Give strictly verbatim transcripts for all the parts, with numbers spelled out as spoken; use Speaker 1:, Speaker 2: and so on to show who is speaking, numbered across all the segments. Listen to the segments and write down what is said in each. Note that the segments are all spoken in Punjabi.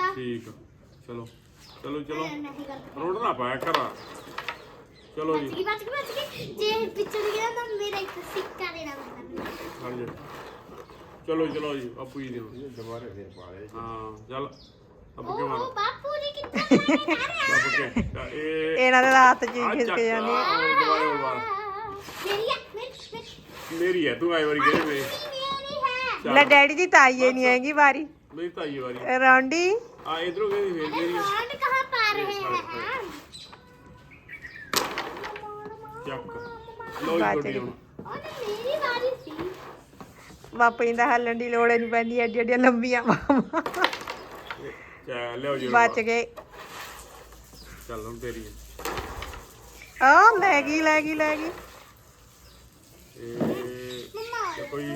Speaker 1: ठीक चलो चलो चलो रोड ना पाया करा चलो जी
Speaker 2: बच गई बच गई जे पिछड़ गया तो मेरा एक सिक्का देना
Speaker 1: हां जी चलो चलो जी बापू जी दे दोबारा फिर पा रहे हां चल अब के मारो
Speaker 2: बापू जी कितना मारे
Speaker 1: बापू के ए
Speaker 3: ਇਹਨਾਂ ਦੇ ਹੱਥ ਚ ਖਿਸਕ ਜਾਂਦੀ ਹੈ
Speaker 1: दोबारा दोबारा
Speaker 2: मेरी है
Speaker 1: मेरी है तू आई बारी गए में
Speaker 2: मेरी है
Speaker 3: ਲੈ ਡੈਡੀ ਦੀ ਤਾਈ ਹੀ ਨਹੀਂ ਆਏਗੀ ਵਾਰੀ
Speaker 1: मेरी ताई वाली
Speaker 3: ਰੌਂਡੀ
Speaker 1: आ इधरों गई फिर मेरी
Speaker 2: कौन कहां पा रहे हैं
Speaker 1: चक लो
Speaker 3: बात
Speaker 1: जी
Speaker 3: है।
Speaker 1: छोटी
Speaker 2: और मेरी बारी थी
Speaker 3: ਬਾਪੂ ਜੀ ਦਾ ਹੱਲਣ ਦੀ ਲੋੜ ਨਹੀਂ ਪੈਂਦੀ ਐਡੀ ਐਡੀਆਂ ਲੰਬੀਆਂ ਬਾਹਾਂ
Speaker 1: चल ले जी
Speaker 3: ਬਚ ਗਏ
Speaker 1: चल हम तेरी है
Speaker 3: ਆ ਲੈ ਗਈ ਲੈ ਗਈ ਲੈ ਗਈ
Speaker 1: ए कोई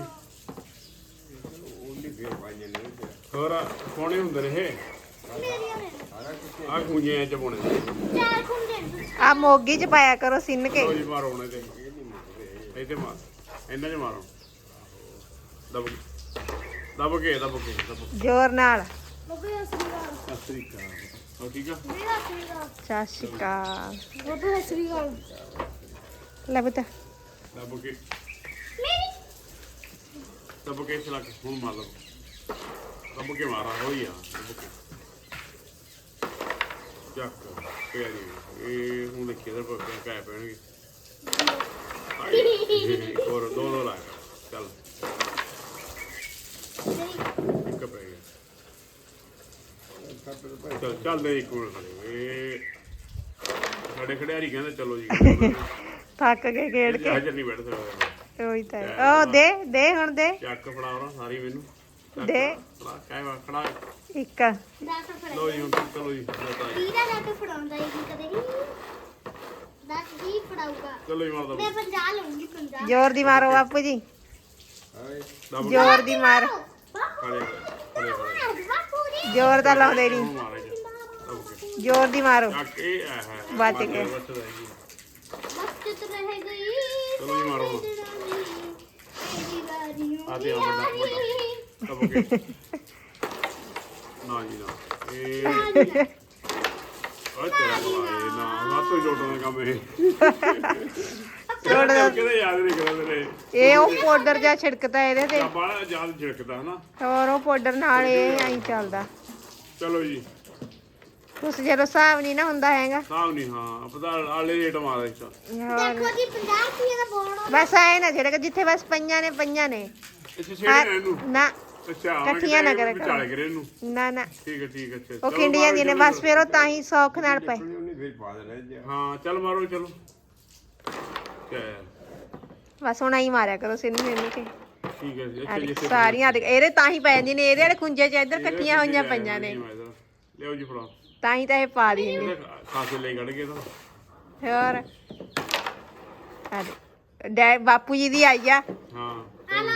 Speaker 1: ਹੋਰ ਕੋਣੇ ਹੁੰਦੇ ਨੇ ਇਹ
Speaker 2: मेरी है
Speaker 1: ਆ ਖੂੰਜਿਆਂ ਚ ਪਾਉਣੇ
Speaker 2: चार खुंडे
Speaker 3: ਆ ਮੋਗੀ ਚ ਪਾਇਆ ਕਰੋ ਸਿੰਨ ਕੇ
Speaker 1: ਲੋ ਜੀ ਮਾਰੋ ਉਹਨੇ ਤੇ ਇਹ ਤੇ ਮਾਰ ਇਹਨਾਂ ਚ ਮਾਰੋ ਦਬ ਦਬ ਕੇ ਦਬ ਕੇ ਦਬ
Speaker 3: ਜ਼ੋਰ ਨਾਲ
Speaker 2: बाबू असली गाल
Speaker 1: ਸਤਿ ਸ੍ਰੀ ਅਕਾਲ ਹੋ ਠੀਕ ਆ
Speaker 2: मेरा असली गाल
Speaker 3: ਸਤਿ ਸ਼੍ਰੀ ਅਕਾਲ
Speaker 2: बाबू असली गाल
Speaker 3: ਲੈ ਬਤਾ
Speaker 1: ਦਬ ਕੇ
Speaker 2: मेरी
Speaker 1: ਦਬ ਕੇ ਚਲਾ ਕੇ ਹੁਣ ਮਾਰ ਲਓ ਦਬ ਕੇ ਮਾਰਾ ਹੋਈ ਆ ਦਬ ਕੇ ਚੱਕ ਪਿਆ ਜੀ ਇਹ ਹੁਣ ਦੇਖੀ ਇਧਰ ਪੱਕੇ ਕਾਇ ਪੈਣਗੇ ਹੋਰ ਦੋ ਦੋ ਲਾ ਚੱਲ ਇੱਕ ਪੈ ਗਿਆ ਚੱਲ ਚੱਲਦੇ ਇੱਕ ਮਿੰਟ ਖੜੇ ਇਹ ਸਾਡੇ ਖਿਡਾਰੀ ਕਹਿੰਦੇ ਚਲੋ ਜੀ
Speaker 3: ਥੱਕ ਕੇ ਖੇਡ ਕੇ
Speaker 1: ਹਾਜ਼ਰ ਨਹੀਂ ਬੈਠ ਸਕਦੇ
Speaker 3: ਉਹੀ ਤਾਂ ਹੈ। ਉਹ ਦੇ ਦੇ ਹੁਣ ਦੇ
Speaker 1: ਚੱਕ ਫੜਾਓ ਸਾਰੀ ਮੈਨੂੰ ਚੱਕ,
Speaker 3: ਦੇ।
Speaker 1: ਫੜਾ ਕਾਇ ਵਾ ਖੜਾ
Speaker 3: ਇੱਕ
Speaker 2: दास फड़ा
Speaker 1: ਲੋ ਜੀ ਹੁਣ ਚਲੋ ਜੀ ਬਤਾ ਜੀ।
Speaker 2: वीरा जाके फड़ाਉਂਦਾ ਹੀ ਕਦੇ ਵੀ दास ही फड़ाऊगा
Speaker 1: ਚਲੋ ਜੀ ਮਾਰਦਾ
Speaker 2: मैं पंजा लूंगी पंजा
Speaker 3: ਜ਼ੋਰ ਦੀ ਮਾਰੋ ਬਾਪੂ ਜੀ
Speaker 1: ਦਬ
Speaker 3: ਜ਼ੋਰ ਦੀ ਮਾਰ
Speaker 2: बापू
Speaker 1: ਖੜੇ ਖੜੇ ਖੜੇ
Speaker 2: बापू रे
Speaker 3: ਜ਼ੋਰ ਦਾ ਲਾਉਂਦੇ ਨਹੀਂ
Speaker 1: ਹੁਣ ਮਾਰੇ ਜੀ ਦਬ ਕੇ
Speaker 3: ਜ਼ੋਰ ਦੀ ਮਾਰੋ
Speaker 1: ਚੱਕ ਇਹ ਆ ਹੈ
Speaker 3: ਬਚ ਗਏ।
Speaker 2: वक्त तो रह गई
Speaker 1: चलो जी मारो।
Speaker 2: मेरी बारियों
Speaker 1: आते हैं,
Speaker 2: की
Speaker 1: बड़ा-
Speaker 2: बारी।
Speaker 1: ਦਬ ਕੇ ਨਾ ਜੀ ਨਾ ਇਹ ਉਹ ਤੇਰਾ ਬੁਲਾਏ ਨਾ ਰਾਤੋਂ ਜੋਟਾਂ ਦਾ ਕੰਮ ਇਹ
Speaker 3: ਜੋੜ ਦਾ-
Speaker 1: ਕਿਹਦੇ ਯਾਦ ਨਹੀਂ ਕਰਦੇ ਨੇ
Speaker 3: ਇਹ ਉਹ ਪਾਊਡਰ ਜਿਹਾ ਛਿੜਕਦਾ ਇਹਦੇ ਤੇ
Speaker 1: ਬਾਹਲਾ ਯਾਦ ਛਿੜਕਦਾ ਹਨਾ
Speaker 3: ਹੋਰ ਉਹ ਪਾਊਡਰ ਨਾਲ ਇਹ ਐਂ ਚੱਲਦਾ
Speaker 1: ਚਲੋ ਜੀ
Speaker 3: ਉਸ ਜਦੋਂ ਹਿਸਾਬ ਨਹੀਂ ਨਾ ਹੁੰਦਾ ਹੈਗਾ
Speaker 1: ਸਾਹ ਨਹੀਂ ਹਾਂ ਪਤਾ ਆਲੇ ਰੇਟ ਮਾਰਦਾ ਇਸ
Speaker 3: ਹੋਰ
Speaker 2: देखो जी पंजाब की ये बोर्ड
Speaker 3: ਬਸ ਐ ਨਾ ਛਿੜਕ ਜਿੱਥੇ ਬਸ ਪਈਆਂ ਨੇ ਪਈਆਂ ਨੇ
Speaker 1: ਇੱਥੇ ਛੇੜੇ ਇਹਨੂੰ
Speaker 3: ਨਾ
Speaker 1: ਅੱਛਾ
Speaker 3: ਇਕੱਠੀਆਂ ਨਾ ਕਰਿਆ ਕਰੋ।
Speaker 1: ਵਿਚਾਲੇ ਕਰੇ ਇਹਨੂੰ
Speaker 3: ਨਾ ਨਾ
Speaker 1: ਠੀਕ ਹੈ ਠੀਕ ਹੈ ਅੱਛਾ
Speaker 3: ਉਹ ਕਿੰਡੀਆਂ ਦੀ ਨੇ ਬਸ ਫਿਰ ਉਹ ਤਾਂ ਹੀ ਸੌਖ ਨਾਲ ਪਏ
Speaker 1: ਹਾਂ ਚੱਲ ਮਾਰੋ ਚਲੋ ਤੇ
Speaker 3: ਬਸ ਹੁਣ ਆਈ ਮਾਰਿਆ ਕਰੋ ਸਿੰਨ ਸਿੰਨ ਕੇ
Speaker 1: ਠੀਕ ਹੈ ਜੀ
Speaker 3: ਆਹ
Speaker 1: ਅੱਛਾ ਜੀ
Speaker 3: ਦੇਖ,
Speaker 1: ਇੱਥੇ
Speaker 3: ਸਾਰੀਆਂ ਦੇਖ, ਇਹਦੇ ਤਾਂ ਹੀ ਪੈ ਜਾਂਦੀਆਂ ਨੇ ਇਹਦੇ ਵਾਲੇ ਖੁੰਝੇ ਚ ਇੱਧਰ ਇਕੱਠੀਆਂ ਹੋਈਆਂ ਪਈਆਂ ਨੇ
Speaker 1: ਲਿਓ ਜੀ ਫੜਾ
Speaker 3: ਤਾਂ ਹੀ ਤਾਂ ਇਹ ਪਾ ਦਿੰਦੇ
Speaker 1: ਇਹਦੇ ਖਾਸੇ ਲਈ ਕੱਢ ਕੇ ਤਾਂ
Speaker 3: ਹੋਰ ਆ ਦੇਖ, ਡੈ ਬਾਪੂ ਜੀ ਦੀ ਆਈ ਆ
Speaker 1: ਹਾਂ
Speaker 2: हेलो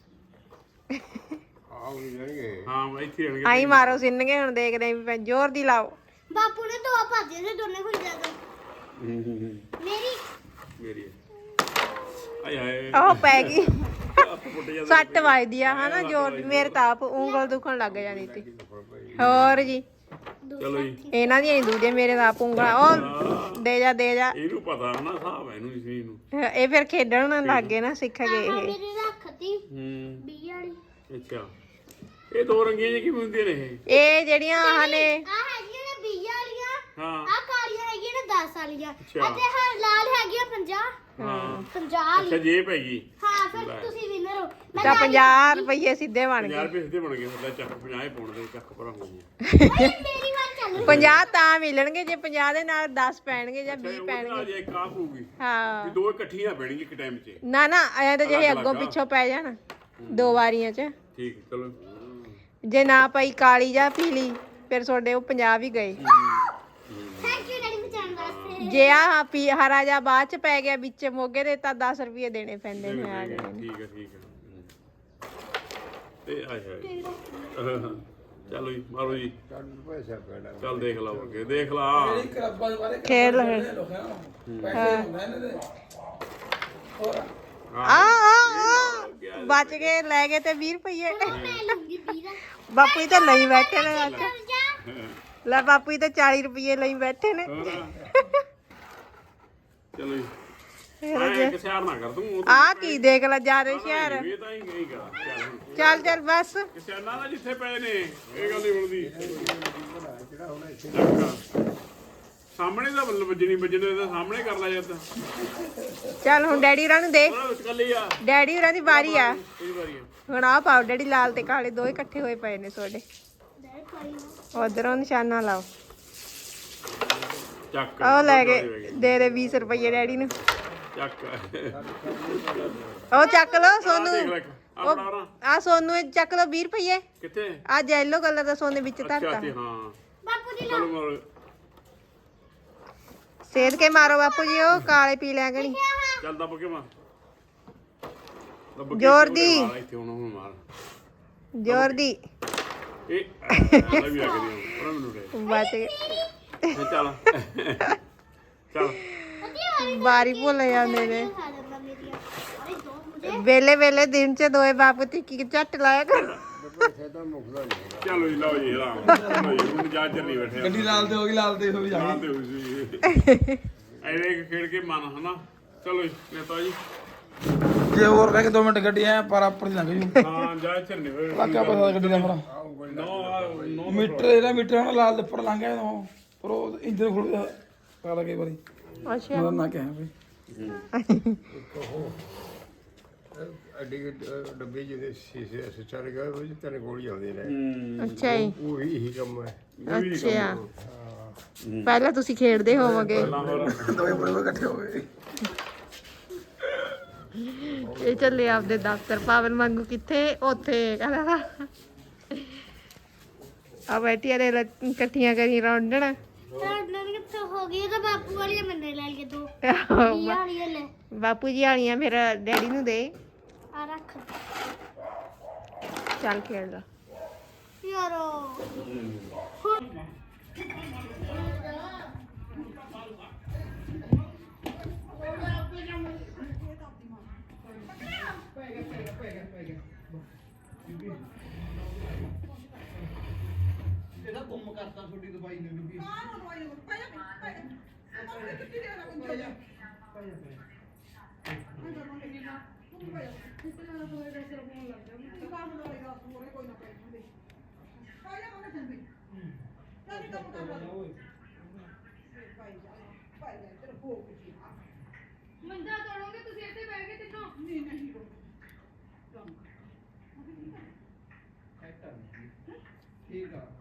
Speaker 1: ਹਾਂ ਮੈਂ ਇੱਥੇ ਰਹਿਣਗੇ
Speaker 3: ਆਈ ਮਾਰੋ ਸਿੰਨ ਕੇ ਹੁਣ ਦੇਖਦੇ ਆਂ ਵੀ ਜ਼ੋਰ ਦੀ ਲਾਓ
Speaker 2: बापू ने दो भाजे से दोनों खुल जाते मेरी
Speaker 1: ਮੇਰੀ ਹੈ। ਆਏ ਹਾਏ
Speaker 3: ਉਹ ਪੈ ਗਈ
Speaker 1: ਫੁੱਟ ਜਾਂਦਾ
Speaker 3: ਸੱਟ ਵੱਜਦੀ ਆ ਹਨਾ ਜ਼ੋਰ ਦੀ ਮੇਰੇ ਤਾਂ ਆਪ ਉਂਗਲ ਦੁਖਣ ਲੱਗ ਜਾਂਦੀ ਸੀ ਹੋਰ ਜੀ
Speaker 1: ਚਲੋ ਜੀ
Speaker 3: ਇਹਨਾਂ ਦੀਆਂ ਹੀ ਦੂਜੇ ਮੇਰੇ ਤਾਂ ਆਪ ਉਂਗਲਾਂ ਉਹ ਦੇ ਜਾ ਦੇ ਜਾ
Speaker 1: ਇਹਨੂੰ ਪਤਾ ਹਨਾ ਹਿਸਾਬ ਹੈ ਇਹਨੂੰ ਇਸ ਚੀਜ਼ ਨੂੰ
Speaker 3: ਇਹ ਫਿਰ ਖੇਡਣ ਲੱਗ ਗਏ ਨਾ ਸਿੱਖ ਗਏ ਇਹ
Speaker 2: मेरी रखती
Speaker 1: ਹੂੰ
Speaker 2: बी वाली
Speaker 1: ਅੱਛਾ ਇਹ ਦੋ ਰੰਗੀਆਂ ਜਿਹੀਆਂ ਕਿਵੇਂ ਹੁੰਦੀਆਂ ਨੇ ਇਹ
Speaker 3: ਇਹ ਜਿਹੜੀਆਂ ਆਹ ਨੇ
Speaker 2: आ हैगी ने बी वालियां
Speaker 1: ਹਾਂ
Speaker 2: आ कालियां हैगी ने दस वालियां
Speaker 1: अच्छा।
Speaker 2: ਅਤੇ ਹਾਂ ਲਾਲ ਹੈਗੀ ਆ ਪੰਜਾਹ
Speaker 1: ਹਾਂ
Speaker 2: ਪੰਜਾਹ
Speaker 1: ਅੱਛਾ
Speaker 2: ਵਾਲੀ
Speaker 1: ਜੇ ਪੈ ਗਈ
Speaker 2: ਹਾਂ ਫਿਰ ਤੁਸੀਂ ਵਿਨਰ ਹੋ ਮੈਂ
Speaker 3: ਤਾਂ ਪੰਜਾਹ ਰੁਪਏ ਸਿੱਧੇ ਬਣ
Speaker 1: ਪੰਜਾਹ
Speaker 3: ਗਏ
Speaker 1: ਰੁਪਏ ਸਿੱਧੇ ਬਣ ਗਏ ਸਾਡਾ ਚੱਕ ਪੰਜਾਹ ਹੀ ਪਾਉਣ ਦੇ ਚੱਕ ਭਰਾ ਹੋ ਗਏ
Speaker 2: ਮੇਰੀ ਵਾਰ ਚੱਲ
Speaker 3: ਪੰਜਾਹ ਤਾਂ ਮਿਲਣਗੇ ਜੇ ਪੰਜਾਹ ਦੇ ਨਾਲ ਦਸ ਪੈਣਗੇ ਜਾਂ ਵੀਹ
Speaker 1: ਉਹਦੇ
Speaker 3: ਪੈਣਗੇ
Speaker 1: ਨਾਲ ਜੇ ਇੱਕ ਆ ਪਊਗੀ
Speaker 3: ਹਾਂ
Speaker 1: ਵੀ ਦੋ ਇਕੱਠੀਆਂ ਪੈਣਗੀਆਂ ਇੱਕ ਟਾਈਮ 'ਚ
Speaker 3: ਨਾ ਨਾ ਐ ਤਾਂ ਜੇ
Speaker 1: ਅਲੱਗ
Speaker 3: ਅੱਗੋਂ
Speaker 1: ਅਲੱਗ ਆ।
Speaker 3: ਪਿੱਛੋਂ ਪੈ ਜਾਣ ਦੋ ਵਾਰੀਆਂ ਚ
Speaker 1: ਠੀਕ ਚਲੋ
Speaker 3: ਜੇ ਨਾ ਪਈ ਕਾਲੀ ਜਾਂ ਪੀਲੀ ਫਿਰ ਤੁਹਾਡੇ ਉਹ ਪੰਜਾਹ ਵੀ ਗਏ
Speaker 2: ਥੈਂਕ ਯੂ ਡੈਡੀ ਬਚਾਉਣ ਵਾਸਤੇ
Speaker 3: ਜੇ ਆ ਪੀ ਹਰਾ ਜਾਂ ਬਾਅਦ ਚ ਪੈ ਗਿਆ ਵਿੱਚ ਮੋਗੇ ਦੇ ਤਾਂ ਦਸ ਰੁਪਏ ਦੇਣੇ ਪੈਂਦੇ ਨੇ ਆ ਗਏ ਨੇ।
Speaker 1: ਠੀਕ ਹੈ ਠੀਕ ਹੈ ਤੇ ਆਏ ਹਾਏ ਚਲੋ ਜੀ ਮਾਰੋ ਜੀ ਚੱਲ ਦੇਖ ਲਾ ਅੱਗੇ ਦੇਖ ਲਾ
Speaker 3: ਖੇਡ ਲੈ ਆ ਆ ਆ ਬਚ ਗਏ ਲੈ ਗਏ ਤੇ ਵੀਹ ਰੁਪਏ
Speaker 2: ਮੈਂ ਲੂੰਗੀ ਵੀਰਾ
Speaker 3: ਬਾਪੂ ਜੀ ਤਾਂ ਲਈ ਬੈਠੇ ਨੇ ਅੱਜ
Speaker 2: ਚੱਲ ਜਾ
Speaker 3: ਲੈ ਬਾਪੂ ਜੀ ਤਾਂ ਚਾਲੀ ਰੁਪਏ ਲਈ ਬੈਠੇ ਨੇ
Speaker 1: ਹੋਰ ਚਲੋ ਜੀ
Speaker 3: ਫਿਰ
Speaker 1: ਮੈਂ
Speaker 3: ਜੇ-
Speaker 1: ਇੱਕ ਸਿਆਰ ਨਾ ਕਰ ਦੂੰ ਉਹ
Speaker 3: ਆਹ ਕੀ ਦੇਖ ਲੈ ਜਿਆਦੇ ਸ਼ਹਿਰ
Speaker 1: ਇਹ ਤਾਂ ਹੀ ਗਈ ਕਰਾ ਚੱਲ ਹੁਣ
Speaker 3: ਚੱਲ ਚੱਲ ਬਸ
Speaker 1: ਕਿਸੇ ਨਾ ਨਾ ਜਿੱਥੇ ਪਏ ਨੇ ਇਹ ਗੱਲ ਨਹੀਂ ਬਣਦੀ ਸਾਹਮਣੇ ਦਾ ਬੱਲ ਵੱਜਣੀ ਵੱਜਣੇ ਦਾ ਸਾਹਮਣੇ ਕਰ ਲੈ ਜਦ
Speaker 3: ਚੱਲ ਹੁਣ ਡੈਡੀ ਹੋਰਾਂ ਨੂੰ ਦੇ
Speaker 1: ਉਹਨਾਂ ਵਿੱਚ ਕੱਲੀ ਆ
Speaker 3: ਡੈਡੀ ਹੋਰਾਂ ਦੀ ਵਾਰੀ ਆ
Speaker 1: ਕੋਈ ਵਾਰੀ ਆ
Speaker 3: ਹੁਣ ਆਹ ਪਾਓ ਡੈਡੀ ਲਾਲ ਤੇ ਕਾਲੇ ਦੋਵੇਂ ਇਕੱਠੇ ਹੋਏ ਪਏ ਨੇ ਤੁਹਾਡੇ ਉਧਰੋਂ ਨਿਸ਼ਾਨਾ ਲਾਓ
Speaker 1: ਚੱਕ
Speaker 3: ਉਹ ਲੈ ਕੇ ਦੇ ਦੇ ਵੀਹ ਰੁਪਏ ਡੈਡੀ ਨੂੰ
Speaker 1: ਚੱਕ
Speaker 3: ਉਹ ਚੱਕ ਲਓ
Speaker 1: ਦੇਖ
Speaker 3: ਸੋਨੂੰ
Speaker 1: ਲੈ ਆ ਫੜਾ ਰਾਂ
Speaker 3: ਆ ਸੋਨੂੰ ਇਹ ਚੱਕ ਲਓ ਵੀਹ ਰੁਪਏ
Speaker 1: ਕਿੱਥੇ
Speaker 3: ਆ ਯੈਲੋ ਕਲਰ ਦਾ ਸੋਨੇ ਵਿੱਚ
Speaker 1: ਅੱਛਾ
Speaker 3: ਧਰਤਾ
Speaker 1: ਤੇ ਹਾਂ
Speaker 2: ਬਾਪੂ ਜੀ
Speaker 1: ਚਲੋ ਮਾਰੋ
Speaker 3: ਸੇਧ ਕੇ ਮਾਰੋ ਬਾਪੂ ਜੀ ਉਹ ਕਾਲੇ ਪੀ ਲਿਆ ਗਣੀ
Speaker 1: ਚੱਲ ਦੱਬ ਕੇ ਮਾਰ ਦੱਬ ਕੇ
Speaker 3: ਜ਼ੋਰ
Speaker 1: ਇੱਥੇ
Speaker 3: ਦੀ।
Speaker 1: ਮਾਰ, ਇੱਥੇ ਹੁਣ ਹੁਣ ਮਾਰ
Speaker 3: ਜ਼ੋਰ ਦੀ
Speaker 1: ਇਹ ਆ ਵੀ ਆ ਗਈ ਉਹਨਾਂ ਮੈਨੂੰ ਦੇ
Speaker 3: ਬਚ ਗਏ
Speaker 1: ਇਹ ਚੱਲ ਚੱਲ
Speaker 3: ਬਾਰੀ ਭੁੱਲ ਜਾਂਦੇ ਨੇ
Speaker 2: ਖਾ ਜਾਂਦਾ ਮੇਰੀਆਂ ਅਰੇ ਦੋ ਮੁਝੇ
Speaker 3: ਵੇਲੇ ਵੇਲੇ ਦਿਨ ਚ ਦੋਏ ਬਾਪੂ ਤੀ ਕੀ ਝੱਟ ਲਾਇਆ ਕਰ
Speaker 1: ਚਲੋ ਜੀ ਲਓ ਜੀ ਆਰਾਮ ਚਲੋ ਜੀ ਹੁਣ ਜਾ ਚੱਲੀ ਬੈਠੇ
Speaker 4: ਗੱਡੀ ਲਾਲ ਤੇ ਹੋ ਗਈ ਲਾਲ ਤੇ ਹੋ ਗਈ ਜਾ
Speaker 1: ਲਾਲ ਤੇ ਹੋਈ ਸੀ ਐਵੇਂ ਇੱਕ ਖੇਡ ਕੇ ਮਨ ਹਨਾ ਚਲੋ ਜੀ ਨੇਤਾ ਜੀ
Speaker 4: ਜੇ ਹੋਰ ਰਹਿ ਕੇ ਦੋ ਮਿੰਟ ਗੱਡੀ ਐ ਪਰ ਆਪਰ ਦੀ ਲੰਘ ਜੂ
Speaker 1: ਹਾਂ ਜਾ ਚੱਲਨੇ ਹੋਏ
Speaker 4: ਲੱਗਾ ਪਤਾ ਗੱਡੀ ਦਾ ਮੇਰਾ
Speaker 1: ਨੋ ਨੋ
Speaker 4: ਮੀਟਰ ਇਹਦਾ ਮੀਟਰ ਹੁਣ ਲਾਲ ਦੇ ਉੱਪਰ ਲੰਘ ਗਿਆ ਉਹ ਪਰ ਉਹ ਇੰਜਨ ਖੁੱਲ ਗਿਆ ਪਤਾ ਲੱਗੇ ਵਾਰੀ
Speaker 3: ਅੱਛਾ
Speaker 4: ਮੇਰਾ ਨਾ ਕਹਿ ਵੀ
Speaker 5: ਅੱਡੀ ਡੱਬੇ ਜਿਹਦੇ ਸ਼ੀਸ਼ੇ ਸੱਚਰ ਗਏ ਉਹ ਜਿੱਤੇ ਨੇ ਗੋਲੀ ਆਉਂਦੀ ਨੇ
Speaker 3: ਅੱਛਾ ਜੀ
Speaker 5: ਉਹੀ ਹੀ ਕੰਮ ਹੈ
Speaker 3: ਅੱਛਾ ਪਹਿਲਾਂ ਤੁਸੀਂ ਖੇਡਦੇ ਹੋਵੋਗੇ
Speaker 4: ਦੋਵੇਂ ਬੜੇ ਬੜੇ ਇਕੱਠੇ ਹੋ ਗਏ
Speaker 3: ਇਹ ਚੱਲੇ ਆਪਦੇ ਦਫ਼ਤਰ ਪਾਵਨ ਵਾਂਗੂ ਕਿੱਥੇ ਉੱਥੇ ਕਹਿੰਦਾ ਆ ਬੈਠੀਆਂ ਨੇ ਲ- ਇਕੱਠੀਆਂ ਕਰੀ ਰੌਂਡਣ
Speaker 2: ਟਾਡਰ ਕਿੱਥੇ ਹੋ ਗਈ ਇਹ ਤਾਂ ਬਾਪੂ ਵਾਲੀ ਮੈਨੇ ਲੈ ਲਈ ਦੋ ਇਹ ਵਾਲੀ ਇਹ ਲੈ
Speaker 3: ਬਾਪੂ ਜੀ ਵਾਲੀਆਂ ਫਿਰ ਡੈਡੀ ਨੂੰ ਦੇ
Speaker 2: ਆ ਰੱਖ
Speaker 3: ਚੱਲ ਖੇਡ ਲਾ
Speaker 2: ਯਾਰੋ ਮੰਜਾ ਤੋੜੋਗੇ ਤੁਸੀਂ ਇੱਥੇ ਬੈਠ ਕੇ ਤਿੰਨੋਂ ਨਹੀਂ ਨਹੀਂ
Speaker 4: ਠੀਕ ਆ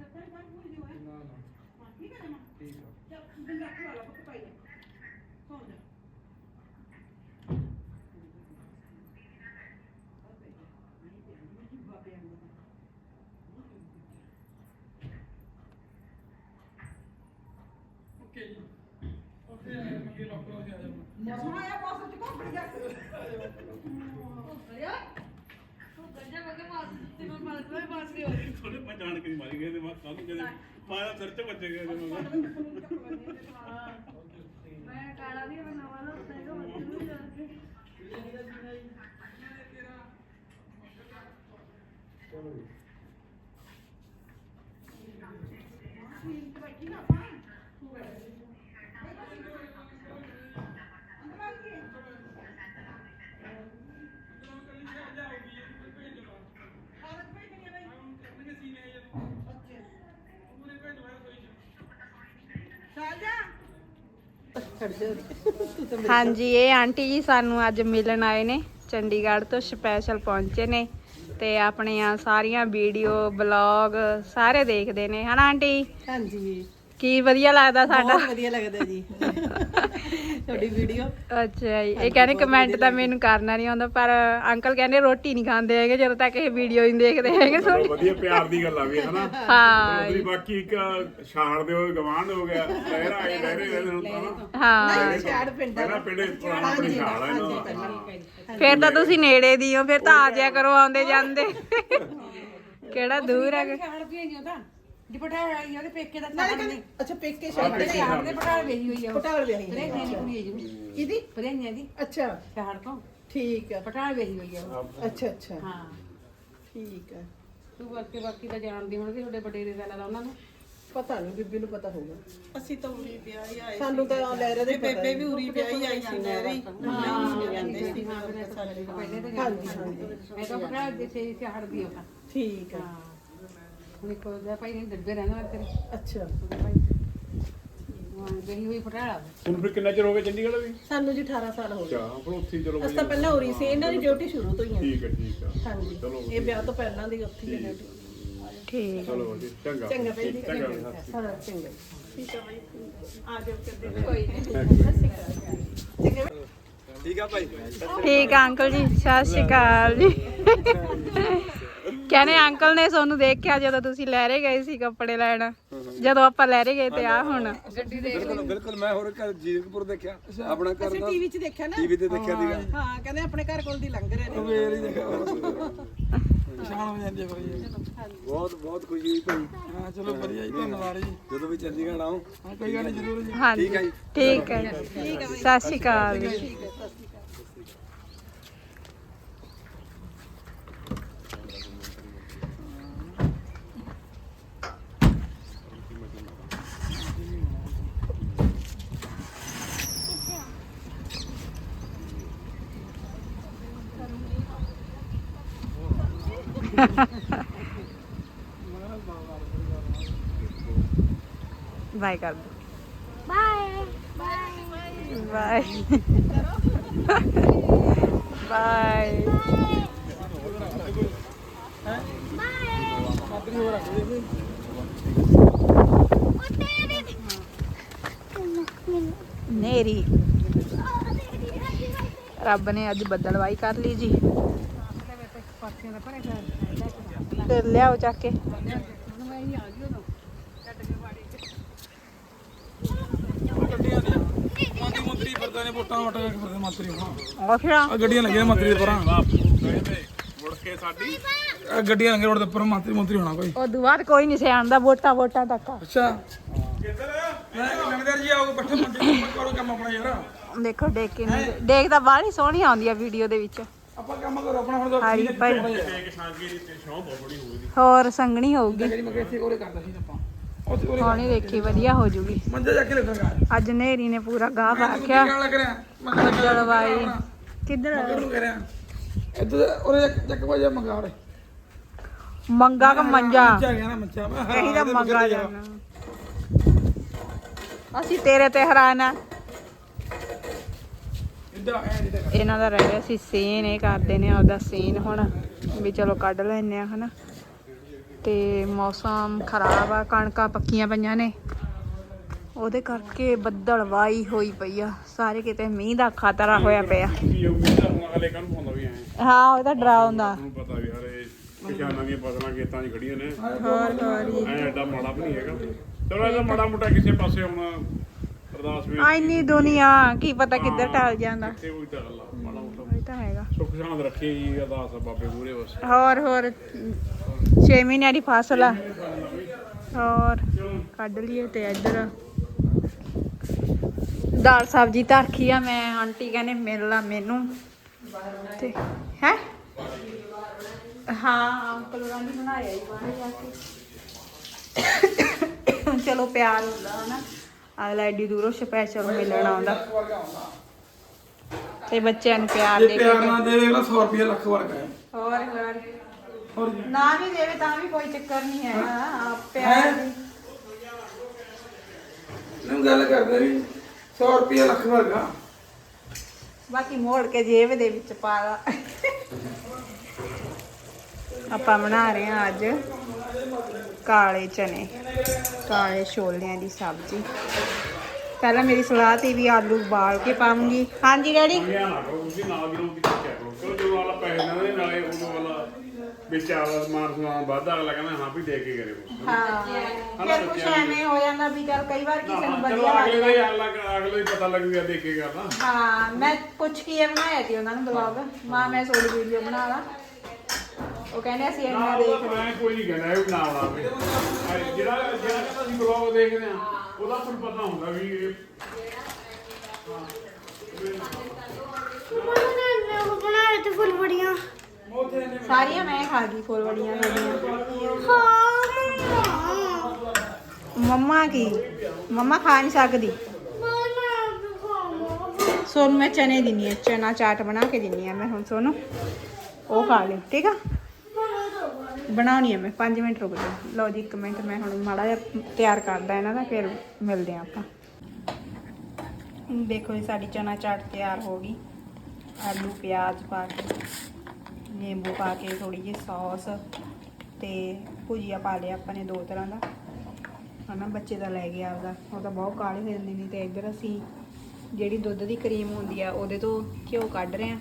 Speaker 1: ਥੋੜੇ ਪਛਾਣ ਕੇ ਮਾਰੀ ਗਏ ਤੇ ਮੈਂ ਕਾਹਨੂੰ ਕਹਿੰਦੇ ਮਾਰਾ ਸਿਰ ਚ ਵੱਜ ਗਏ ਤੇ
Speaker 2: ਮੈਂ ਕਾਲਾ ਵੀ ਮੈਂ ਨਵਾਂ ਲਾਉਂਦਾ ਹੈਗਾ ਬੱਚੇ ਨੂੰ ਜਾ ਕੇ
Speaker 3: ਹਾਂਜੀ ਇਹ ਆਂਟੀ ਜੀ ਸਾਨੂੰ ਅੱਜ ਮਿਲਣ ਆਏ ਨੇ ਚੰਡੀਗੜ੍ਹ ਤੋਂ ਸਪੈਸ਼ਲ ਪਹੁੰਚੇ ਨੇ ਤੇ ਆਪਣੀਆਂ ਸਾਰੀਆਂ ਵੀਡੀਓ ਬਲੌਗ ਸਾਰੇ ਦੇਖਦੇ ਨੇ ਹਨਾ ਆਂਟੀ
Speaker 6: ਹਾਂਜੀ
Speaker 3: ਕੀ ਵਧੀਆ ਲੱਗਦਾ ਸਾਡਾ
Speaker 6: ਬਹੁਤ ਵਧੀਆ ਲੱਗਦਾ ਜੀ ਤੁਹਾਡੀ ਵੀਡੀਓ
Speaker 3: ਅੱਛਾ ਜੀ ਇਹ ਕਹਿੰਦੇ ਕਮੈਂਟ ਤਾਂ ਮੈਨੂੰ ਕਰਨਾ ਨਹੀਂ ਆਉਂਦਾ ਪਰ ਅੰਕਲ ਕਹਿੰਦੇ ਰੋਟੀ ਨਹੀਂ ਖਾਂਦੇ ਹੈਗੇ ਜਦੋਂ ਤੱਕ ਇਹ ਵੀਡੀਓ ਨਹੀਂ ਦੇਖਦੇ ਹੈਗੇ ਸੋ
Speaker 1: ਚਲੋ ਵਧੀਆ ਪਿਆਰ ਦੀ ਗੱਲ ਆ ਵੀ ਹਨਾ
Speaker 3: ਹਾਂ
Speaker 1: ਉਹਦੀ ਬਾਕੀ ਇੱਕ ਛਾੜ ਦੇ ਹੋਏ ਗਵਾਂਢ ਹੋ ਗਿਆ ਲਹਿਰਾ ਆਏ ਲਹਿਰੇ ਰਹਿੰਦੇ ਹੁਣ ਤਾਂ ਨਾ
Speaker 3: ਹਾਂ
Speaker 6: ਛਾੜ ਪਿੰਡ
Speaker 1: ਪਹਿਲਾਂ ਪਿੰਡੇ ਪੁਰਾਣਾ ਆਪਣੀ ਛਾੜ ਆ ਇਹਨਾਂ ਦਾ
Speaker 3: ਫਿਰ ਤਾਂ ਤੁਸੀਂ ਨੇੜੇ ਦੀ ਹੋ ਫਿਰ ਤਾਂ ਆ ਜਾਇਆ ਕਰੋ ਆਉਂਦੇ ਜਾਂਦੇ ਕਿਹੜਾ ਦੂਰ ਹੈਗਾ
Speaker 7: ਛਾੜ ਵੀ ਆਈ ਉਹਦਾ ਦੁਪੱਟਾ ਆਈ ਉਹਦੇ ਪੇਕੇ ਦਾ
Speaker 6: ਨਾਲੇ
Speaker 7: ਛਾੜ
Speaker 6: ਕਹਿੰਦੇ
Speaker 7: ਨੇ
Speaker 6: ਅੱਛਾ ਪੇਕੇ ਛਾੜ
Speaker 7: ਤੇ ਛਾੜ ਦੇ ਪਟਾਲ ਵੇਹੀ ਹੋਈ ਆ ਉਹ
Speaker 6: ਪਟਾਲ ਵਿਆਹੀ
Speaker 7: ਪਰੇ ਮੇਰੀ ਕੁੜੀ ਹੈ ਜੀ
Speaker 6: ਕਿਹਦੀ
Speaker 7: ਪਰੇਆਂ ਦੀ
Speaker 6: ਅੱਛਾ
Speaker 7: ਛਾੜ ਤੋਂ
Speaker 6: ਠੀਕ ਹੈ
Speaker 7: ਪਟਾਲ ਵੇਹੀ ਹੋਈ ਆ ਉਹ।
Speaker 6: ਅੱਛਾ ਅੱਛਾ
Speaker 7: ਹਾਂ
Speaker 6: ਠੀਕ ਹੈ
Speaker 7: ਤੂੰ ਬਾਕੀ ਬਾਕੀ ਤਾਂ ਜਾਣਦੀ ਹੋਣਗੇ ਤੁਹਾਡੇ ਬਟੇਰੇ ਦਾ ਲਾ ਉਹਨਾਂ ਨੂੰ
Speaker 6: ਪਤਾ ਨਹੀਂ ਬੀਬੀ ਨੂੰ ਪਤਾ ਹੋਊਗਾ
Speaker 8: ਅਸੀਂ ਤਾਂ ਉਰੀ ਵਿਆਹ ਹੀ ਆਏ
Speaker 6: ਸਾਨੂੰ ਤਾਂ ਲੈ ਰਹੇ ਦੇ
Speaker 8: ਬੇਬੇ ਵੀ ਉਰੀ ਵਿਆਹ ਹੀ ਆਈ ਸੀ ਨਹਿਰੀ ਹਾਂ ਕਹਿੰਦੇ ਸੀ ਸਾਡੇ
Speaker 7: ਪਹਿਲੇ ਤਾਂ
Speaker 6: ਹਾਂਜੀ ਹਾਂਜੀ
Speaker 7: ਮੈਂ ਤਾਂ ਪਟਿਆਲਾ ਦੇ ਸੇ ਸੇ ਹੜਦੀ ਹਾਂ
Speaker 6: ਠੀਕ ਆ
Speaker 7: ਹੁਣ ਕੋ ਜਾ ਭਾਈ ਨੇ ਦੱਬੇ ਰਹਿਣਾ ਤੇਰੇ
Speaker 6: ਅੱਛਾ
Speaker 7: ਹਾਂ ਗਈ ਹੋਈ ਪਟਿਆਲਾ
Speaker 1: ਹੁਣ ਫਿਰ ਕਿੰਨਾ ਚਿਰ ਹੋ ਗਿਆ ਚੰਡੀਗੜ੍ਹ ਵੀ
Speaker 6: ਸਾਨੂੰ ਜੀ ਅਠਾਰਾਂ ਸਾਲ ਹੋ ਗਏ
Speaker 1: ਅੱਛਾ ਫਿਰ ਉੱਥੇ ਹੀ ਚਲੋ
Speaker 6: ਅਸੀਂ ਤਾਂ ਪਹਿਲਾਂ ਉਰੀ ਸੀ ਇਹਨਾਂ ਦੀ ਡਿਊਟੀ ਸ਼ੁਰੂ ਤੋਂ ਹੀ ਆ
Speaker 1: ਠੀਕ ਹੈ ਠੀਕ ਆ
Speaker 6: ਹਾਂਜੀ ਇਹ ਵਿਆਹ ਤੋਂ ਪਹਿਲਾਂ ਦੀ ਉੱਥੇ ਹੀ ਆ ਡਿਊਟੀ
Speaker 3: ਠੀਕ
Speaker 1: ਚਲੋ ਵਧੀਆ ਚੰਗਾ
Speaker 6: ਚੰਗਾ ਭੈਣ ਜੀ
Speaker 1: ਚੰਗਾ
Speaker 6: ਹਾਂ ਚੰਗਾ
Speaker 8: ਠੀਕ ਹੈ ਬਾਈ ਆ ਜਾਓ ਕਰਦੇ
Speaker 3: ਠੀਕ ਆ ਅੰਕਲ ਜੀ, ਸਤਿ ਸ਼੍ਰੀ ਅਕਾਲ ਜੀ। ਕਹਿੰਦੇ ਅੰਕਲ ਨੇ ਤੁਹਾਨੂੰ ਦੇਖਿਆ ਜਦੋਂ ਤੁਸੀਂ ਲਹਿਰੇ ਗਏ ਸੀ ਕੱਪੜੇ ਲੈਣ, ਜਦੋਂ ਆਪਾਂ ਲਹਿਰੇ ਗਏ ਤੇ ਆ ਹੁਣ
Speaker 4: ਬਿਲਕੁਲ ਬਿਲਕੁਲ ਮੈਂ ਹੋਰ ਘਰ ਜੀਰਕਪੁਰ ਦੇਖਿਆ ਆਪਣਾ ਘਰ ਦਾ
Speaker 6: ਟੀਵੀ 'ਚ ਦੇਖਿਆ ਨਾ
Speaker 4: ਟੀਵੀ ਤੇ ਦੇਖਿਆ ਸੀਗਾ
Speaker 6: ਹਾਂ ਕਹਿੰਦੇ ਆਪਣੇ ਘਰ ਕੋਲ ਦੀ ਲੰਘ ਰਹੇ ਨੇ
Speaker 4: ਫੇਰ ਹੀ ਦੇਖਿਆ ਪਛਾਣ ਹੋ ਜਾਂਦੀ ਹੈ ਭਾਈ ਬਹੁਤ ਬਹੁਤ ਖੁਸ਼ੀ ਹੋਈ ਭਾਈ ਹਾਂ ਚਲੋ ਵਧੀਆ ਜੀ ਧੰਨਵਾਦ ਜੀ ਜਦੋਂ ਵੀ ਚੰਡੀਗੜ੍ਹ ਆਓ ਹਾਂ ਕੋਈ ਗੱਲ ਨਹੀਂ ਜ਼ਰੂਰ ਜੀ
Speaker 3: ਹਾਂਜੀ ਠੀਕ ਹੈ ਸਤਿ ਸ਼੍ਰੀ ਅਕਾਲ ਜੀ। ਬਾਏ ਕਰ ਦੋ
Speaker 2: ਬਾਏ ਬਾਏ
Speaker 3: ਬਾਏ ਬਾਏ ਨੇਰੀ ਰੱਬ ਨੇ ਅੱਜ ਬੱਦਲਵਾਈ ਕਰ ਲਈ ਜੀ, ਤੇ ਲਿਆਓ ਚੱਕ ਕੇ।
Speaker 4: ਗੱਡੀਆਂ ਦੀਆਂ ਮੰਤਰੀ ਮੰਤਰੀ ਫਿਰਦੇ ਨੇ ਵੋਟਾਂ ਵਟਾ ਕੇ ਫਿਰਦੇ ਮੰਤਰੀ ਹਾਂ
Speaker 3: ਅੱਛਾ
Speaker 4: ਆ ਗੱਡੀਆਂ ਲੱਗੀਆਂ ਮੰਤਰੀ ਦੇ ਪਰਾਂ
Speaker 1: ਮੁੜ ਕੇ ਸਾਡੀ
Speaker 4: ਆ ਗੱਡੀਆਂ ਲੱਗੀਆਂ ਰੋਡ ਦੇ ਉੱਪਰ ਮੰਤਰੀ ਮੰਤਰੀ ਹੋਣਾ ਕੋਈ
Speaker 3: ਉਹ ਦੁਬਾਰ ਕੋਈ ਨਹੀਂ ਸਿਆਣਦਾ ਵੋਟਾਂ ਵੋਟਾਂ ਤੱਕ।
Speaker 4: ਅੱਛਾ ਮੈਂ ਲੰਗਦਰ ਜੀ ਆਓ ਬੱਠੇ ਮੰਤਰੀ ਕਰੋ ਕੰਮ ਆਪਣਾ ਯਾਰ
Speaker 3: ਦੇਖੋ ਦੇਖ ਕੇ ਨਹੀਂ ਦੇਖਦਾ ਬਾਹਲੀ ਸੋਹਣੀ ਆਉਂਦੀ ਆ ਵੀਡੀਓ ਦੇ ਵਿੱਚ।
Speaker 4: ਆਪਾਂ ਕੰਮ ਕਰੋ ਆਪਣਾ ਹੁਣ ਤਾਂ
Speaker 3: ਹਾਰੀ ਭਾਈ
Speaker 1: ਇੱਕ ਸ਼ਾਂਗੀ ਦੀ ਸ਼ੌਂ ਬਹੁਤ ਬੜੀ ਹੋਊਗੀ
Speaker 3: ਹੋਰ ਸੰਗਣੀ ਹੋਊਗੀ,
Speaker 4: ਜਿਹੜੀ ਮੈਂ ਇੱਥੇ ਕੋਲੇ ਕਰਦਾ ਸੀ ਆਪਾਂ ਉੱਥੇ ਕੋਲੇ
Speaker 3: ਸੋਹਣੀ ਦੇਖੀ ਵਧੀਆ ਹੋ ਜੂਗੀ।
Speaker 4: ਮੰਜਾ ਜਾ ਕੇ ਲੱਗਾਂਗਾ
Speaker 3: ਅੱਜ ਨੇਰੀ ਨੇ ਪੂਰਾ ਗਾਹ ਪਾ
Speaker 4: ਕੀ
Speaker 3: ਰੱਖਿਆ।
Speaker 4: ਗੱਲ ਲੱਗ ਰਿਹਾ ਮੈਂ ਕਹਿੰਦਾ
Speaker 3: ਜਲਵਾਈ ਕਿੱਧਰ
Speaker 4: ਕਿੱਧਰ ਨੂੰ ਕਹਿ ਰਿਹਾ ਇੱਧਰ ਉਹਦੇ ਚੱਕ ਵਜਾ ਮੰਗਾ ਉਰੇ
Speaker 3: ਮੰਗਾ ਕ ਮੰਜਾ
Speaker 4: ਮੰਜਾ ਗਿਆ ਨਾ ਮੰਜਾ ਮੈਂ
Speaker 3: ਕਹੀ ਦਾ ਮੰਗਾ ਜਾਣਾ। ਅਸੀਂ ਤੇਰੇ ਤੇ ਹੈਰਾਨ ਆ।
Speaker 4: ਇੱਧਰ ਐ ਨਹੀਂ ਤਾਂ
Speaker 3: ਇਹਨਾਂ ਦਾ ਰਹਿ ਗਿਆ ਸੀ ਸੀਨ, ਇਹ ਕਰਦੇ ਨੇ ਆਪਦਾ ਸੀਨ ਹੁਣ ਵੀ ਚਲੋ ਕੱਢ ਲੈਨੇ ਆ ਹਨਾ। ਤੇ ਮੌਸਮ ਖਰਾਬ ਆ, ਕਣਕਾਂ ਪੱਕੀਆਂ ਪਈਆਂ ਨੇ, ਉਹਦੇ ਕਰਕੇ ਬੱਦਲਵਾਈ ਹੋਈ ਪਈ ਆ, ਸਾਰੇ ਕਿਤੇ ਮੀਂਹ ਦਾ ਖਤਰਾ ਹੋਇਆ ਪਿਆ।
Speaker 1: ਕੀ ਉਹ ਮੀਂਹ ਦਾ ਹੁਣ ਅਗਲੇ ਕੱਲ ਪਾਉਂਦਾ ਵੀ ਐ
Speaker 3: ਹਾਂ ਉਹਦਾ ਡਰਾਉਂਦਾ।
Speaker 1: ਤੁਹਾਨੂੰ ਪਤਾ ਵੀ ਹਰੇ ਕਿਸਾਨਾਂ ਦੀਆਂ ਫਸਲਾਂ ਖੇਤਾਂ 'ਚ ਖੜੀਆਂ ਨੇ,
Speaker 3: ਹੋਰ ਹੋਰ
Speaker 1: ਐ ਐਡਾ ਮਾੜਾ ਵੀ ਨਹੀਂ ਹੈਗਾ। ਚਲੋ ਇਹਦਾ ਮਾੜਾ ਮੋਟਾ ਕਿਸੇ ਪਾਸੇ ਹੁਣ ਅਰਦਾਸ ਵੀ
Speaker 3: ਇੰਨੀ ਦੁਨੀਆ ਕੀ ਪਤਾ ਕਿੱਧਰ ਟਲ ਜਾਂਦਾ।
Speaker 1: ਤੇ ਉਹੀ ਤਾਂ ਗੱਲ ਆ, ਮਾੜਾ ਮੋਟਾ
Speaker 3: ਇਹ ਤਾਂ ਹੈਗਾ।
Speaker 1: ਸੁੱਖ ਸ਼ਾਂਤ ਰੱਖੇ ਜੀ ਅਰਦਾਸ ਆ ਬਾਬੇ ਮੂਹਰੇ ਬਸ।
Speaker 3: ਹੋਰ ਹੋਰ ਛੇ ਮਹੀਨਿਆਂ ਦੀ ਫਸਲ ਆ, ਹੋਰ ਕੱਢ ਲਈਏ। ਤੇ ਇੱਧਰ ਦਾਲ ਸਬਜ਼ੀ ਧਰਖੀ ਆ ਮੈਂ, ਆਂਟੀ ਕਹਿੰਦੇ ਮਿਲ ਲਾ ਮੈਨੂੰ ਤੇ ਹੈ ਹਾਂ ਅੰਕਲ ਹੋਰਾਂ ਨੇ ਬਣਾਇਆ ਹੀ ਬਾਹਰ ਜਾ ਕੇ। ਚਲੋ ਪਿਆਰ ਹੁੰਦਾ ਹਨਾ, ਅਗਲਾ ਐਡੀ ਦੂਰੋਂ ਸਪੈਸ਼ਲ ਮਿਲਣ ਆਉਂਦਾ ਤੇ ਬੱਚਿਆਂ ਨੂੰ ਪਿਆਰ
Speaker 4: ਜੇ
Speaker 3: ਦੇ ਕੇ।
Speaker 4: ਪਿਆਰ ਨਾ ਦੇਵੇ ਅਗਲਾ ਸੌ ਰੁਪਏ ਲੱਖ ਵਰਗਾ ਹੈ
Speaker 3: ਹੋਰ ਹੋਰ
Speaker 4: ਹੋਰ
Speaker 3: ਨਾ ਵੀ ਦੇਵੇ ਤਾਂ ਵੀ ਕੋਈ ਚੱਕਰ ਨਹੀਂ ਹੈਗਾ, ਆਪ ਪਿਆਰ ਦੀ।
Speaker 4: ਨੂੰ ਗੱਲ ਕਰਦੇ ਵੀ ਸੌ ਰੁਪਏ ਲੱਖ ਵਰਗਾ
Speaker 3: ਬਾਕੀ ਮੋੜ ਕੇ ਜੇਬ ਦੇ ਵਿੱਚ ਪਾ ਲਾ। ਆਪਾਂ ਬਣਾ ਰਹੇ ਹਾਂ ਅੱਜ ਕਾਲੇ ਚਨੇ, ਕਾਲੇ ਛੋਲਿਆਂ ਦੀ ਸਬਜ਼ੀ। ਪਹਿਲਾਂ ਮੇਰੀ ਸਲਾਹ ਤੀ ਵੀ ਆਲੂ ਉਬਾਲ ਕੇ ਪਾਉਂਗੀ। ਹਾਂਜੀ ਡੈਡੀ
Speaker 1: ਧਿਆਨ ਰੱਖੋ ਤੁਸੀਂ ਨਾਲ ਦੀ ਨਾਲ ਦੀ ਚੈੱਕ ਕਰੋ। ਚਲੋ ਜਦੋਂ ਵਾਲਾ ਪੈਸੇ ਨਾਲ ਦੇ ਨਾਲੇ ਉਦੋਂ ਵਾਲਾ ਵਿੱਚ ਆਵਾ ਸਮਾਨ ਸਮਾਨ ਵੱਧਦਾ ਅਗਲਾ ਕਹਿੰਦਾ ਹਾਂ ਵੀ ਦੇ ਕੇ ਕਰਿਓ।
Speaker 3: ਹਾਂ ਫਿਰ ਕੁਛ ਐਵੇਂ ਹੋ ਜਾਂਦਾ ਵੀ ਚੱਲ ਕਈ ਵਾਰ ਕਿਸੇ ਨੂੰ
Speaker 1: ਚਲੋ
Speaker 3: ਵਧੀਆ
Speaker 1: ਅਗਲੇ
Speaker 3: ਲੱਗਦਾ।
Speaker 1: ਦਾ ਹੀ ਅਗਲਾ ਅਗਲੇ ਹੀ ਪਤਾ ਲੱਗੂਗਾ ਦੇ ਕੇ ਕਰਨਾ।
Speaker 3: ਹਾਂ ਮੈਂ ਪੁੱਛ ਕੇ ਬਣਾਇਆ ਸੀ ਉਹਨਾਂ ਨੂੰ ਬਲੌਗ, ਮਾਂ ਮੈਂ ਥੋੜੀ ਵੀਡੀਓ ਬਣਾ ਲਾ। ਉਹ ਕਹਿੰਦੇ ਅਸੀਂ ਇੰਨਾ ਦੇਖ ਲਏ।
Speaker 1: ਮੈਂ ਕੋਈ ਨਹੀਂ ਕਹਿੰਦਾ ਇਹ ਨਾ ਬਣਾਵੇ। ਜਿਹੜਾ ਜਿਹੜਾ ਕਹਿੰਦਾ ਅਸੀਂ ਬਲੌਗ ਦੇਖਦੇ ਆ ਉਹਦਾ ਤੁਹਾਨੂੰ ਪਤਾ ਹੁੰਦਾ ਵੀ ਇਹ
Speaker 2: ਉਹ ਬਣਾਏ ਤੇ ਫੁੱਲ ਬੜੀਆਂ।
Speaker 3: ਸਾਰੀਆਂ ਮੈਂ ਖਾ ਗਈ ਫੁੱਲ ਵੜੀਆਂ ਮੇਰੀਆਂ।
Speaker 2: ਹਾਂ ਮੰਮਾ
Speaker 3: ਮੰਮਾ ਕੀ ਮੰਮਾ ਖਾ ਨਹੀਂ ਸਕਦੀ ਸੋਨੂੰ ਮੈਂ ਚਨੇ ਦਿੰਨੀ ਆ ਚਨਾ ਚਾਟ ਬਣਾ ਕੇ ਦਿੰਨੀ ਆ ਮੈਂ ਹੁਣ ਸੋਨੂੰ ਉਹ ਖਾ ਲਈ ਠੀਕ ਆ ਬਣਾਉਣੀ ਆ ਮੈਂ ਪੰਜ ਮਿੰਟ ਰੁਕ ਜਾ ਲਓ ਜੀ ਇੱਕ ਮਿੰਟ ਮੈਂ ਹੁਣ ਮਾੜਾ ਜਿਹਾ ਤਿਆਰ ਕਰਦਾ ਇਹਨਾਂ ਦਾ ਫਿਰ ਮਿਲਦੇ ਆ ਆਪਾਂ ਦੇਖੋ ਜੀ ਸਾਡੀ ਚਨਾ ਚਾਟ ਤਿਆਰ ਹੋ ਗਈ ਆਲੂ ਪਿਆਜ਼ ਪਾ ਕੇ ਨਿੰਬੂ ਪਾ ਕੇ ਥੋੜੀ ਜਿਹੀ ਸੌਸ ਤੇ ਭੁਜੀਆ ਪਾ ਲਿਆ ਆਪਾਂ ਨੇ ਦੋ ਤਰ੍ਹਾਂ ਦਾ ਹਨਾ ਬੱਚੇ ਦਾ ਲੈ ਗਿਆ ਆਪਦਾ ਉਹ ਤਾਂ ਬਹੁਤ ਕਾਲੇ ਹੋ ਜਾਂਦੇ ਨੇ ਤੇ ਇੱਧਰ ਅਸੀਂ ਜਿਹੜੀ ਦੁੱਧ ਦੀ ਕਰੀਮ ਹੁੰਦੀ ਆ ਉਹਦੇ ਤੋਂ ਘਿਓ ਕੱਢ ਰਹੇ ਆ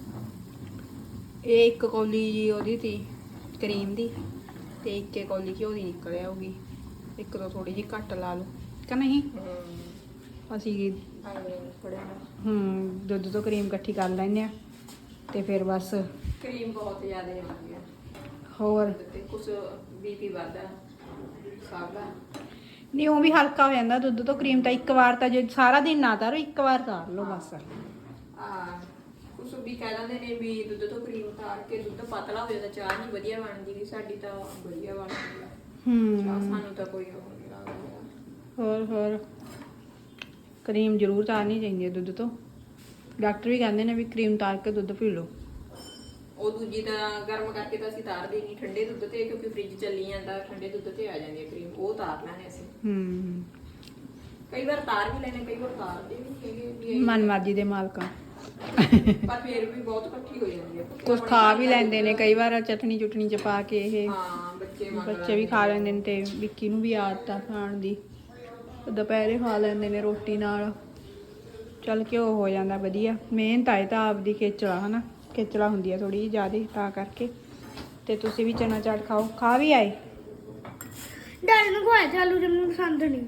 Speaker 3: ਇਹ ਇੱਕ ਕੌਲੀ ਜੀ ਉਹਦੀ ਤੀ ਕਰੀਮ ਦੀ ਤੇ ਇੱਕ ਕੌਲੀ ਘਿਓ ਦੀ ਨਿਕਲ ਆਊਗੀ ਇੱਕ ਤੋਂ ਥੋੜੀ ਜਿਹੀ ਘੱਟ ਲਾ ਲਓ ਕਿ ਨਹੀਂ ਅਸੀਂ ਹੂੰ ਦੁੱਧ ਤੋਂ ਕਰੀਮ ਇਕੱਠੀ ਕਰ ਲੈਂਦੇ ਆ ਤੇ ਫਿਰ ਬਸ
Speaker 6: ਕਰੀਮ ਬਹੁਤ ਜ਼ਿਆਦਾ ਹੁੰਦੀ ਆ
Speaker 3: ਹੋਰ
Speaker 6: ਤੇ ਕੁਝ ਬੀਪੀ ਵੱਧਦਾ ਸਭ ਦਾ
Speaker 3: ਨਹੀਂ ਉਹ ਵੀ ਹਲਕਾ ਹੋ ਜਾਂਦਾ ਦੁੱਧ ਤੋਂ ਕਰੀਮ ਤਾਂ ਇੱਕ ਵਾਰ ਤਾਂ ਜੇ ਸਾਰਾ ਦਿਨ ਨਾ ਤਾਰੋ ਇੱਕ ਵਾਰ ਤਾਰ ਲਓ ਬਸ
Speaker 6: ਆ ਕੁਝ ਵੀ ਕਹਿ ਦਿੰਦੇ ਨੇ ਵੀ ਦੁੱਧ ਤੋਂ ਕਰੀਮ ਤਾਰ ਕੇ ਦੁੱਧ ਪਤਲਾ ਹੋ ਜਾਂਦਾ ਚਾਹ ਨਹੀਂ ਵਧੀਆ ਬਣਦੀ ਵੀ ਸਾਡੀ ਤਾਂ ਵਧੀਆ ਬਣਦੀ ਆ
Speaker 3: ਹੂੰ
Speaker 6: ਚਾਹ ਸਾਨੂੰ ਤਾਂ ਕੋਈ ਉਹ ਨਹੀਂ ਲੱਗਦਾ
Speaker 3: ਹੋਰ ਹੋਰ ਕਰੀਮ ਜ਼ਰੂਰ ਤਾਰਨੀ ਚਾਹੀਦੀ ਹੈ ਦੁੱਧ ਤੋਂ ਡਾਕਟਰ ਵੀ ਕਹਿੰਦੇ ਨੇ ਵੀ ਕਰੀਮ ਤਾਰ ਕੇ ਦੁੱਧ ਪੀ ਲਓ
Speaker 6: ਉਹ ਦੂਜੀ ਤਾਂ ਗਰਮ ਕਰਕੇ ਤਾਂ ਅਸੀਂ ਤਾਰਦੇ ਨਹੀਂ ਠੰਡੇ ਦੁੱਧ ਤੇ ਕਿਉਂਕਿ ਫ੍ਰਿਜ ਚੱਲੀ ਜਾਂਦਾ ਠੰਡੇ ਦੁੱਧ ਤੇ ਆ ਜਾਂਦੀ ਹੈ ਕਰੀਮ ਉਹ ਤਾਰ ਲੈਣੇ ਅਸੀਂ
Speaker 3: ਹੂੰ
Speaker 6: ਕਈ ਵਾਰ ਤਾਰ ਵੀ ਲੈਣੇ ਕਈ ਵਾਰ ਤਾਰਦੇ ਵੀ ਹੈਗੇ ਵੀ
Speaker 3: ਮਨ ਮਰਜ਼ੀ ਦੇ ਮਾਲਕਾਂ
Speaker 6: ਪਰ ਫਿਰ ਵੀ ਬਹੁਤ ਇਕੱਠੀ ਹੋ ਜਾਂਦੀ ਹੈ
Speaker 3: ਕੁਝ ਖਾ ਵੀ ਲੈਂਦੇ ਨੇ ਕਈ ਵਾਰ ਚਟਨੀ ਚੁਟਨੀ ਚ ਪਾ ਕੇ ਇਹ
Speaker 6: ਹਾਂ ਬੱਚੇ ਮੰਗ
Speaker 3: ਬੱਚੇ ਵੀ ਖਾ ਲੈਂਦੇ ਨੇ ਤੇ ਵਿੱਕੀ ਨੂੰ ਵੀ ਆਦਤ ਆ ਖਾਣ ਦੀ ਦੁਪਹਿਰੇ ਖਾ ਲੈਂਦੇ ਨੇ ਰੋਟੀ ਨਾਲ ਚੱਲ ਘਿਓ ਹੋ ਜਾਂਦਾ ਵਧੀਆ ਮਿਹਨਤ ਆਏ ਤਾਂ ਆਪਦੀ ਖੇਚਲਾ ਹਨਾ ਖੇਚਲਾ ਹੁੰਦੀ ਆ ਥੋੜੀ ਜਿਹੀ ਜ਼ਿਆਦਾ ਤਾਂ ਕਰਕੇ ਤੇ ਤੁਸੀਂ ਵੀ ਚਨਾ ਚਾਟ ਖਾਓ ਖਾ ਵੀ ਆਏ
Speaker 2: ਡੈਡੀ ਨੂੰ ਖਵਾਇਆ ਤੇ ਆਲੂ ਜੰਮੂ ਪਸੰਦ ਨਹੀਂ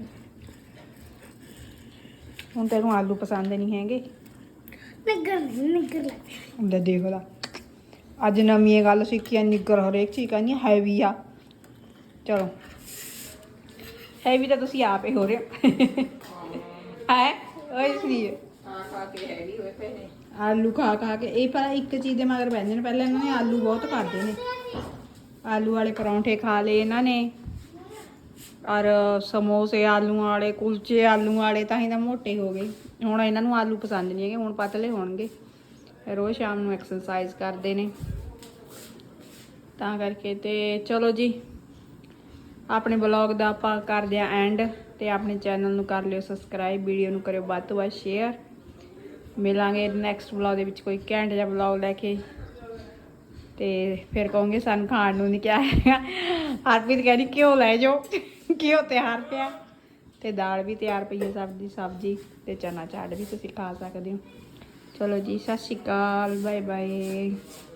Speaker 3: ਹੁਣ ਤੈਨੂੰ ਆਲੂ ਪਸੰਦ ਨਹੀਂ ਹੈਗੇ
Speaker 2: ਨਿੱਗਰ ਨਹੀਂ ਨਿੱਗਰ ਲੱਗਦੇ
Speaker 3: ਹੁੰਦਾ ਦੇਖ ਲਾ ਅੱਜ ਨਵੀਂ ਇਹ ਗੱਲ ਸਿੱਖੀ ਆ ਨਿੱਗਰ ਹਰੇਕ ਚੀਜ਼ ਕਹਿੰਦੀ ਹੈਵੀ ਆ ਚਲੋ ਹੈਵੀ ਤਾਂ ਤੁਸੀਂ ਆਪ ਹੀ ਹੋ ਰਹੇ ਹੈ ਓਏ ਸ੍ਰੀ
Speaker 6: ਖਾ ਖਾ ਕੇ ਹੈਵੀ ਹੋਏ ਪਏ ਨੇ
Speaker 3: ਆਲੂ ਖਾ ਖਾ ਕੇ ਇਹ ਪਰ ਇੱਕ ਚੀਜ਼ ਦੇ ਮਗਰ ਪੈਂਦੇ ਨੇ ਪਹਿਲਾਂ ਇਹਨਾਂ ਨੇ ਆਲੂ ਬਹੁਤ ਖਾਦੇ ਨੇ ਆਲੂ ਵਾਲੇ ਪਰੌਂਠੇ ਖਾ ਲਏ ਇਹਨਾਂ ਨੇ ਔਰ ਸਮੋਸੇ ਆਲੂ ਵਾਲੇ ਕੁਲਚੇ ਆਲੂ ਵਾਲੇ ਤਾਂ ਹੀ ਤਾਂ ਮੋਟੇ ਹੋ ਗਏ ਹੁਣ ਇਹਨਾਂ ਨੂੰ ਆਲੂ ਪਸੰਦ ਨਹੀਂ ਹੈਗੇ ਹੁਣ ਪਤਲੇ ਹੋਣਗੇ ਰੋਜ਼ ਸ਼ਾਮ ਨੂੰ ਐਕਸਰਸਾਈਜ਼ ਕਰਦੇ ਨੇ ਤਾਂ ਕਰਕੇ ਤੇ ਚਲੋ ਜੀ ਆਪਣੇ ਬਲੌਗ ਦਾ ਆਪਾਂ ਕਰਦੇ ਆ ਐਂਡ ਤੇ ਆਪਣੇ ਚੈਨਲ ਨੂੰ ਕਰ ਲਿਓ ਸਬਸਕ੍ਰਾਈਬ ਵੀਡੀਓ ਨੂੰ ਕਰਿਓ ਵੱਧ ਤੋਂ ਵੱਧ ਸ਼ੇਅਰ ਮਿਲਾਂਗੇ ਨੈਕਸਟ ਵਲੌਗ ਦੇ ਵਿੱਚ ਕੋਈ ਘੈਂਟ ਜਿਹਾ ਵਲੌਗ ਲੈ ਕੇ ਤੇ ਫਿਰ ਕਹੋਗੇ ਸਾਨੂੰ ਖਾਣ ਨੂੰ ਨਹੀਂ ਕਿਹਾ ਹੈਗਾ ਹਰਪ੍ਰੀਤ ਕਹਿੰਦੀ ਘਿਓ ਲੈ ਜਾਓ ਘਿਓ ਤਿਆਰ ਪਿਆ ਤੇ ਦਾਲ ਵੀ ਤਿਆਰ ਪਈ ਹੈ ਸਬਜ਼ੀ ਸਬਜ਼ੀ ਤੇ ਚਨਾ ਚਾਟ ਵੀ ਤੁਸੀਂ ਖਾ ਸਕਦੇ ਹੋ ਚਲੋ ਜੀ ਸਤਿ ਸ਼੍ਰੀ ਅਕਾਲ ਬਾਏ ਬਾਏ